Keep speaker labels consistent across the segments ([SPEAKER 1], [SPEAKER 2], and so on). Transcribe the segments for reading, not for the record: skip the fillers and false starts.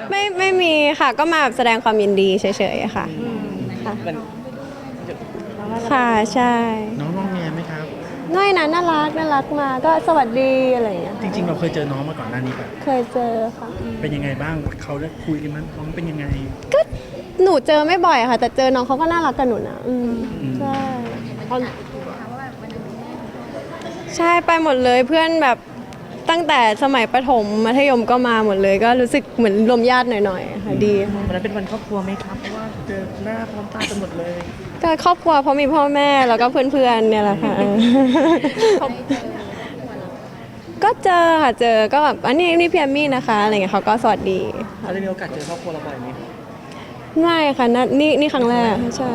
[SPEAKER 1] ไม่มีค่ะก็มาแบบแสดงความยินดีเฉยๆค่ะค่ะ
[SPEAKER 2] มัน
[SPEAKER 1] ค่ะใช่
[SPEAKER 3] น้องงอแงไหมครับ
[SPEAKER 1] น้อยนะน่ารักมาก็สวัสดีอะไรอย่างเงี้ย
[SPEAKER 3] จริงๆเราเคยเจอน้องมาก่อนหน้านี้ปะ
[SPEAKER 1] เคยเจอค่ะ
[SPEAKER 3] เป็นยังไงบ้างเขาได้คุยกันมั้ยน้องเป็นยังไง
[SPEAKER 1] ก็หนูเจอไม่บ่อยค่ะ แต่เจอน้องเขาก็น่ารักกับหนูนะใช่ใช่ไปหมดเลยเพื่อนแบบตั้งแต่สมัยประถมมัธยมก็มาหมดเลย ก็รู้สึกเหมือนรวมญาติหน่อยๆค่ะดีค่ะ
[SPEAKER 2] วันนั้นเป็นวันครอบครัวไหมครับเพราะว่าเจอหน้าพร้อมตากันหมดเลย
[SPEAKER 1] ก็ครอบครัวเพราะมีพ่อแม่แล้วก็เพื่อนๆเนี่ยแหละค่ะก็เจอค่ะเจอก็แบบอันนี้พี่แอมมี่นะคะอะไรเงี้ยเขาก็สวัสดี
[SPEAKER 2] เขาได้มีโอกาสเจอครอบครัวเราบ่อยไหม
[SPEAKER 1] ไม่ค่ะนี่ครั้งแรกใช่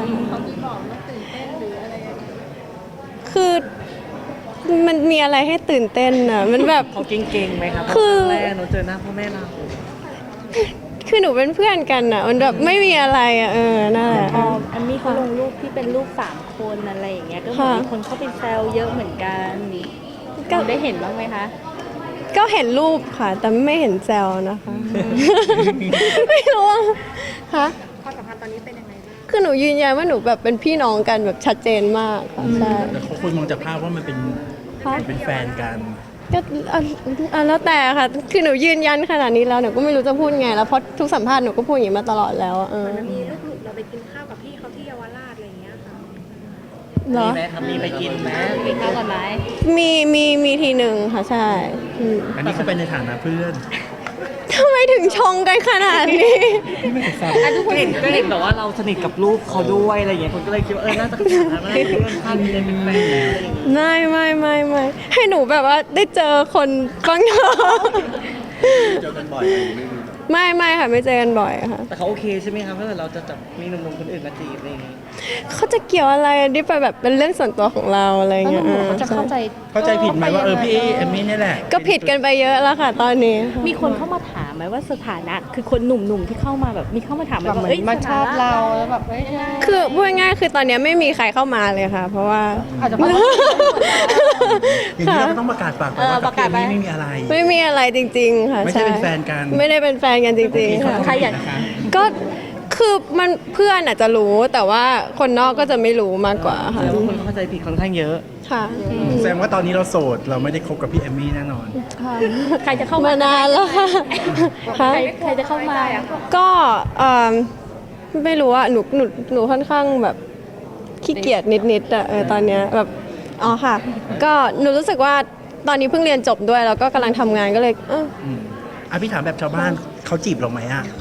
[SPEAKER 1] คือมันมีอะไรให้ตื่นเต้นอ่ะมันแบบ
[SPEAKER 2] เขาเก่งๆไหมครับ
[SPEAKER 1] คือ
[SPEAKER 2] แรกเราเจอหน้าพ่อแม่เรา
[SPEAKER 1] คือหนูเป็นเพื่อนกันอ่ะมันแบบไม่มีอะไรอ่ะนั่นแหละ
[SPEAKER 4] พอแอมมี่เขาลงรูปที่เป็นรูป3 คนอะไรอย่างเงี้ยก็เหมือนมีคนเข้าไปแซวเยอะเหมือนกันก็ได้เห็นบ้างไหมคะ
[SPEAKER 1] ก็เห็นรูปค่ะ แต่ไม่เห็นแซวนะคะ ไม่รู้ว่าค่ะความสัมพันธ์ตอนนี้เป็นยังไงบ้างคือหนูยืนยันว่าหนูแบบเป็นพี่น้องกันแบบชัดเจนมากค่ะใช่
[SPEAKER 3] แต่เขาคนมองจากภาพว่ามันเป็น
[SPEAKER 1] ค่ะ
[SPEAKER 3] เป็นแฟนกัน
[SPEAKER 1] ก็แล้วแต่ค่ะ คือหนูยืนยันขนาดนี้แล้วหนูก็ไม่รู้จะพูดไงแล้วเพราะทุกสัมภาษณ์หนูก็พูดอย่างนี้มาตลอดแล้วอะ
[SPEAKER 5] มีลูกหลุดเราไปกินข้าวกับพี่เขาที่เยาวราชอะไรอย่างเงี้ยค่ะ
[SPEAKER 1] เหร
[SPEAKER 2] มี
[SPEAKER 1] อ
[SPEAKER 2] ไหมครับมีไปกินไหม
[SPEAKER 4] กินข้าวก่อนไหม
[SPEAKER 1] มีทีหนึ่งค่ะใช่
[SPEAKER 3] อันนี้เขาเป็นในฐานะเพื่อน
[SPEAKER 1] ทำไมถึงชงกันขนาดนี้
[SPEAKER 2] ก็เห็นแบบว่าเราสนิทกับลูกเขาด้วยอะไรอย่างเงี้ยคนก็เลยคิดว่าน่าจะขนาดนั้นน่าจะเพื่อนท่านเลยเป็นแฟนแล้วอะไรอย่างเงี้ย
[SPEAKER 1] ไม่ให้หนูแบบว่าได้เจอคนบ้างเถอะ
[SPEAKER 3] เจอกันบ่อย
[SPEAKER 1] ไม่ค่ะไม่เจอกันบ่อยค่ะ
[SPEAKER 2] แต่เขาโอเคใช่ไหมครับถ้าเกิดเราจะจับมีหนุ่มๆคนอื่นมาจีบอะไรอย่างเงี้ย
[SPEAKER 1] เขาจะเกี่ยวอะไรนี่ไปแบบเป็นเรื่องส่วนตัวของเราอะไร
[SPEAKER 4] แล้วห
[SPEAKER 1] เงี้ย
[SPEAKER 4] นุ่มๆเขาจะเข้าใจ
[SPEAKER 3] เข้าใจผิดไหมว่าพี่เอมมี่นี่แหละ
[SPEAKER 1] ก็ผิดกันไปเยอะแล้วค่ะตอนนี้
[SPEAKER 4] มีคนเข้ามาถามไหมว่าสถานะคือคนหนุ่มๆที่เข้ามาแบบมีเข้ามาถามไหมว่าเอ้ย
[SPEAKER 5] มาชอบเรา
[SPEAKER 4] แล้วแบบเอ้ย
[SPEAKER 1] คือพูดง่ายๆคือตอนนี้ไม่มีใครเข้ามาเลยค่ะ เพราะว่า
[SPEAKER 4] อาจจะเพราะว่า
[SPEAKER 3] อย่างนี้เราก็ต้องประกาศปากไปว่ากับพี่เอมมี่ไม่มีอะไร
[SPEAKER 1] ไม่มีอะไรจริงๆค่ะ
[SPEAKER 3] ไม่ใช่เป็นแฟนกัน
[SPEAKER 1] ไม่ได้เป็นแฟนกันจริงๆค่ะ
[SPEAKER 4] ใครอยาก
[SPEAKER 1] ก็คือมันเพื่อนอาจจะรู้แต่ว่าคนนอกก็จะไม่รู้มากกว่าค่ะ
[SPEAKER 2] แล้วคนเข้าใจผิดค่อนข้างเยอะ
[SPEAKER 1] ค่ะ
[SPEAKER 3] แสดงว่าตอนนี้เราโสดเราไม่ได้คบกับพี่เอมมี่แน่นอน
[SPEAKER 4] ใครจะเข้ามาม
[SPEAKER 1] านานแล้วค่ะ
[SPEAKER 4] ใครจะเข้ามา
[SPEAKER 1] ก็ไม่รู้อะหนูค่อนข้างแบบขี้เกียจนิดๆอะตอนเนี้ยแบบอ๋อค่ะ ก็หนูรู้สึกว่าตอนนี้เพิ่งเรียนจบด้วยแล้วก็กำลังทำงานก็เลย
[SPEAKER 3] พี่ถามแบบชาวบ้านเขาจีบเราไหมอ่ะ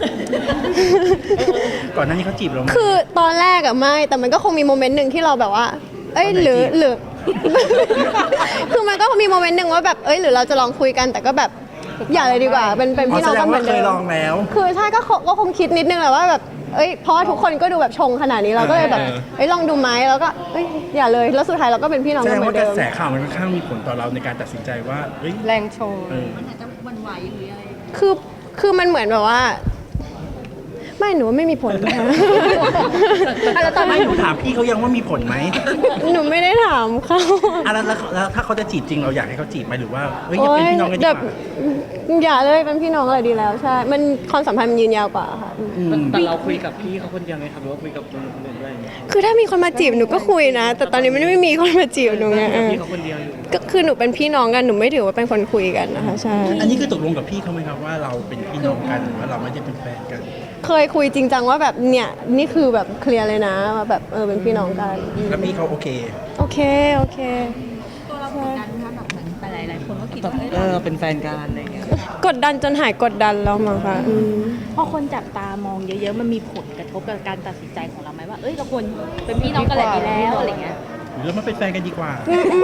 [SPEAKER 3] ก่อนหน้านี้เขาจีบเราไหม
[SPEAKER 1] คือตอนแรกอะไม่แต่มันก็คงมีโมเมนต์หนึ่งที่เราแบบว่า เอ้ย
[SPEAKER 3] ตอนไหน
[SPEAKER 1] หรือ
[SPEAKER 3] จีบ
[SPEAKER 1] หรือ คือมันก็มีโมเมนต์หนึ่งว่าแบบเอ้ยหรือเราจะลองคุยกันแต่ก็แบบอย่าเลยดีกว่าเป็นพี่น้อง
[SPEAKER 3] แสด
[SPEAKER 1] กัน
[SPEAKER 3] ง
[SPEAKER 1] เหมื
[SPEAKER 3] ว่า
[SPEAKER 1] อน
[SPEAKER 3] เค
[SPEAKER 1] เดิ
[SPEAKER 3] ย
[SPEAKER 1] ม
[SPEAKER 3] ลองแล้ว
[SPEAKER 1] คือใช่ก็คงคิดนิดนึงแหละว่าแบบเอ้ยเพราะว่าทุกคนก็ดูแบบชงขนาดนี้เราก็เลยแบบเอ้ยลองดูไหมแล้วก็เอ้ยอย่าเลยแล้วสุดท้ายเราก็เป็นพี่น้อง
[SPEAKER 3] แส
[SPEAKER 1] กั
[SPEAKER 3] ด
[SPEAKER 1] น
[SPEAKER 3] ง
[SPEAKER 1] เหมื
[SPEAKER 3] ว่า
[SPEAKER 1] อน
[SPEAKER 3] กระ
[SPEAKER 1] เดิม
[SPEAKER 3] แสข่าวมันค่อนข้างมีผลต่อเราในการตัดสินใจว่าเฮ้ย
[SPEAKER 5] แรงโชว์
[SPEAKER 3] เออ
[SPEAKER 1] คือมันเหมือนแบบว่า ไม่หนูว่าไม่มีผลนะคะ
[SPEAKER 4] แล้วตอน
[SPEAKER 3] ไม่
[SPEAKER 4] นี้
[SPEAKER 3] หนูถามพี่เขายังว่ามีผลไหม
[SPEAKER 1] หนูไม่ได้ถามเขา
[SPEAKER 3] แล้วถ้าเขาจะจีบจริงเราอยากให้เขาจีบไหมหรือว่าเฮ้ยอ
[SPEAKER 1] โอ๊
[SPEAKER 3] ย่าเป็นพี่น้องกันดี
[SPEAKER 1] แบ
[SPEAKER 3] ก
[SPEAKER 1] บ
[SPEAKER 3] ว่า
[SPEAKER 1] อย่าเลยเป็นพี่น้องอะไรดีแล้วใช่มันความสัมพันธ์มันยืนยาวกว่าค่ะ
[SPEAKER 2] แต่เราคุยกับพี่เขาคนเดียวไหมครับหรือว่าคุยกับคนอื่นด้วย
[SPEAKER 1] คือถ้ามีคนมาจีบหนูก็คุยนะ แต่ตอนนี้มันไม่มีคนมาจีบหนูไง
[SPEAKER 2] คุยกับพี่เขาคนเดียวอยู่
[SPEAKER 1] ก็คือหนูเป็นพี่น้องกันหนูไม่ถือว่าเป็นคนคุยกันนะคะใช่
[SPEAKER 3] อันนี้คือตกลงกับพี่เขาไหมครับว่าเราเป็นพี่น้องกันหรือว่าเราไม่ได้เป็นแฟนกัน
[SPEAKER 1] เคยคุยจริงจังว่าแบบเนี่ยนี่คือแบบเคลียร์เลยนะว่าแบบเป็นพี่น้องกัน
[SPEAKER 3] แล้วพี่เขาโอเค
[SPEAKER 1] โอเค
[SPEAKER 4] หลายๆคนก็คิดว่า
[SPEAKER 2] เราเป็นแฟนกันอะไรอย่างเงี้ย
[SPEAKER 1] กดดันจนหายกดดันแล้วมั้งค่ะ
[SPEAKER 4] พอคนจับตามองเยอะๆมันมีผลกระทบกับการตัดสินใจของเราไหมว่าเอ้ยเราควรเป็นพี่น้องกันเลยดีแล้วอะไรเงี้ย
[SPEAKER 3] หรือเรามาเป็นแฟนกันดีกว่า
[SPEAKER 1] ไม่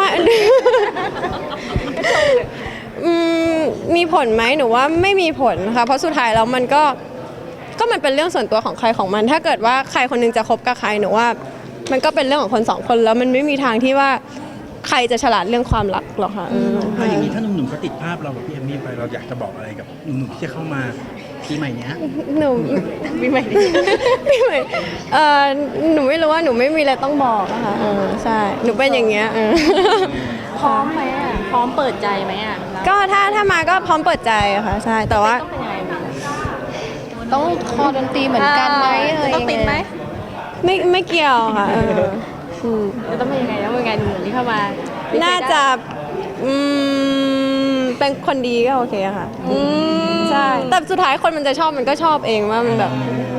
[SPEAKER 1] มีผลไหมหนูว่าไม่มีผลค่ะเพราะสุดท้ายแล้วมันก็มันเป็นเรื่องส่วนตัวของใครของมัน ถ้าเกิดว่าใครคนหนึงจะคบกับใครหนูว่า มันก็เป็นเรื่องของคนสองคนแล้วมันไม่มีทางที่ว่าใครจะฉลาดเรื่องความรักหรอกค่ะ
[SPEAKER 3] ถ้าอย่างนี้ถ้าหนุ่มๆเขาติดภาพเรากับพี่เอมมี่ไปเราอยากจะบอกอะไรกับหนุ่มๆที่จะเข้ามาปีใหม่เนี้ย
[SPEAKER 1] หนูปีใหม่ปีใหม่หนูไม่รู้ว่าหนูไม่มีอะไรต้องบอกอะค่ะใช่หนูเป็นอย่างเงี้ย
[SPEAKER 4] พร้อมไหมอ่ะพร้อมเปิดใจไหมอ่ะ
[SPEAKER 1] ก็ถ้ามาก็พร้อมเปิดใจอะค่ะใช่แต่ว่า
[SPEAKER 4] ต้องเป็นยังไงบ้าง
[SPEAKER 6] ต้องคอดนตรีเหมือนกันไหมอะไร
[SPEAKER 4] ต้องติดไหม
[SPEAKER 1] ไม่เกี่ยวค่ะม
[SPEAKER 4] จะต้องเป็นยังไงต้องเป็นยังไงหนุ่มๆที่เข้ามา
[SPEAKER 1] น่าจะเป็นคนดีก็โอเคค่ะใช่แต่สุดท้ายคนมันจะชอบมันก็ชอบเองว่ามันแบบ